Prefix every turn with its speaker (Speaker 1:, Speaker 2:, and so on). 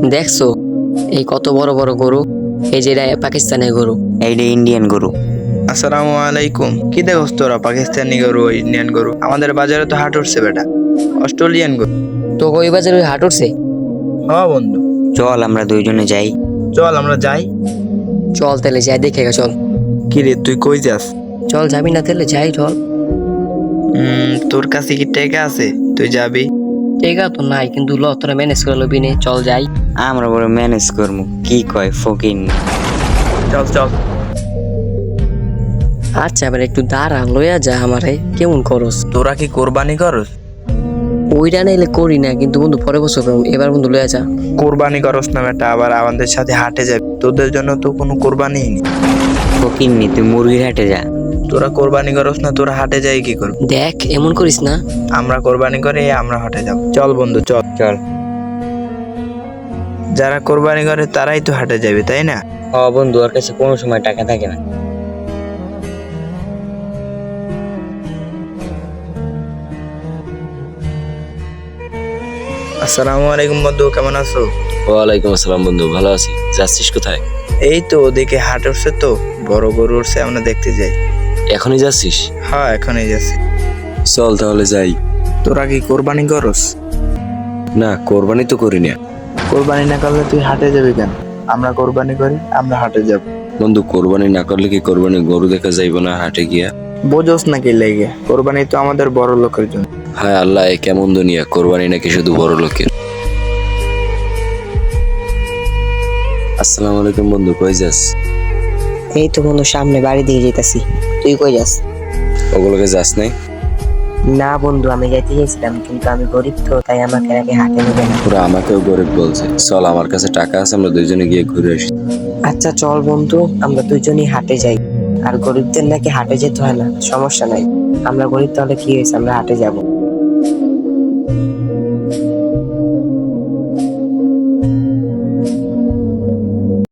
Speaker 1: দেখছো এই কত বড় বড় গরু, এই যে পাকিস্তানের গরু।
Speaker 2: এইটা ইন্ডিয়ান গরু।
Speaker 3: আসসালামু আলাইকুম। কি দেখোস তোরা? পাকিস্তানি গরু, ইন্ডিয়ান গরু? আমাদের বাজারে তো হাট উঠছে বেটা, অস্ট্রেলিয়ান গরু।
Speaker 1: তো ওই বাজারে ওই হাট উঠছে।
Speaker 3: হ্যাঁ বন্ধু,
Speaker 2: চল আমরা দুইজনে যাই।
Speaker 3: চল আমরা যাই।
Speaker 1: চল তাহলে যাই দেখে গে, চল।
Speaker 3: কি রে, তুই কই যাস?
Speaker 1: চল যাবি না তাহলে যাই, চল।
Speaker 3: তোর কাছে কি টাকা আছে? তুই যাবি?
Speaker 1: টেকা তো নাই, কিন্তু ল তোরা ম্যানেজ করে লবি নে, চল যাই।
Speaker 2: আমরা বড় ম্যানেজ করবো, কি কয় ফকির।
Speaker 3: চল চল।
Speaker 1: আচ্ছা এবার একটু দাঁড়া, লইয়া যা আমারে, কেমন করস?
Speaker 3: তোরা কি কোরবানি করস?
Speaker 1: ওইটা নাইলে করি না, কিন্তু বন্ধু পরে বছর করবো, এবার বন্ধু লইয়া যা।
Speaker 3: কোরবানি করস না বেটা, আবার আমাদের সাথে হাটে যাবি। তোদের জন্য তো কোনো কোরবানি নেই।
Speaker 2: ফকির নি, তুই মুরগির হাটে যা।
Speaker 3: তোরা কোরবানি করস না, তোরা হাটে যাই কি করবি?
Speaker 1: দেখ এমন করিস না।
Speaker 3: আমরা কোরবানি করে আমরা হাটে যাব। চল বন্ধু চল।
Speaker 2: চল।
Speaker 3: যারা কোরবানি করে তারাই তো হাটে যাবে, তাই না?
Speaker 2: বন্ধু, ওর কাছে কোনো সময় টাকা থাকে না।
Speaker 3: আসসালামু আলাইকুম বন্ধু, কেমন আছো?
Speaker 4: ওয়ালাইকুম আসসালাম বন্ধু, ভালো আছি। যাচ্ছিস কোথায়?
Speaker 3: এই তো ওদিকে হাট উঠছে, তো বড় গরু উঠছে, আমরা দেখতে যাই।
Speaker 4: এখনই যাচ্ছিস?
Speaker 3: হ্যাঁ এখনই যাচ্ছি।
Speaker 4: চল তাহলে যাই।
Speaker 3: তোরা কি কোরবানি করস?
Speaker 4: না, কোরবানি তো করি না।
Speaker 3: কোরবানি না করলে তুই হাটে যাবি কেন? আমরা কোরবানি করি, আমরা হাটে যাব।
Speaker 4: বন্ধু, কোরবানি না করলে কি কোরবানি গরু দেখা যাইব না হাটে গিয়া?
Speaker 3: বোঝোস নাকি লেগে? কোরবানি তো আমাদের বড় লোকের জন্য।
Speaker 4: হায় আল্লাহ, এ কেমন দুনিয়া! কোরবানি নাকি শুধু বড় লোকের। আসসালামু আলাইকুম বন্ধু, কই যাস?
Speaker 5: এই তো বন্ধু সামনে বাড়ি দিয়ে যেতেছি। তুই কই যাস?
Speaker 4: ওগুলোকে যাস নাই?
Speaker 5: না বন্ধু, আমি যাইতে চাইছিলাম, কিন্তু আমি গরিব তো, তাই আমাকে নাকি হাতে নেবে না।
Speaker 4: পুরো আমাকেও গরিব বলছে। চল, আমার কাছে টাকা আছে, আমরা দুইজনে গিয়ে ঘুরে আসি।
Speaker 5: আচ্ছা চল বন্ধু, আমরা দুইজনই হাটে যাই। আর গরিবদের নাকি হাটে যেতে হয় না, সমস্যা নাই। আমরা গরিব, তাহলে কি হয়েছে, আমরা হাটে যাব।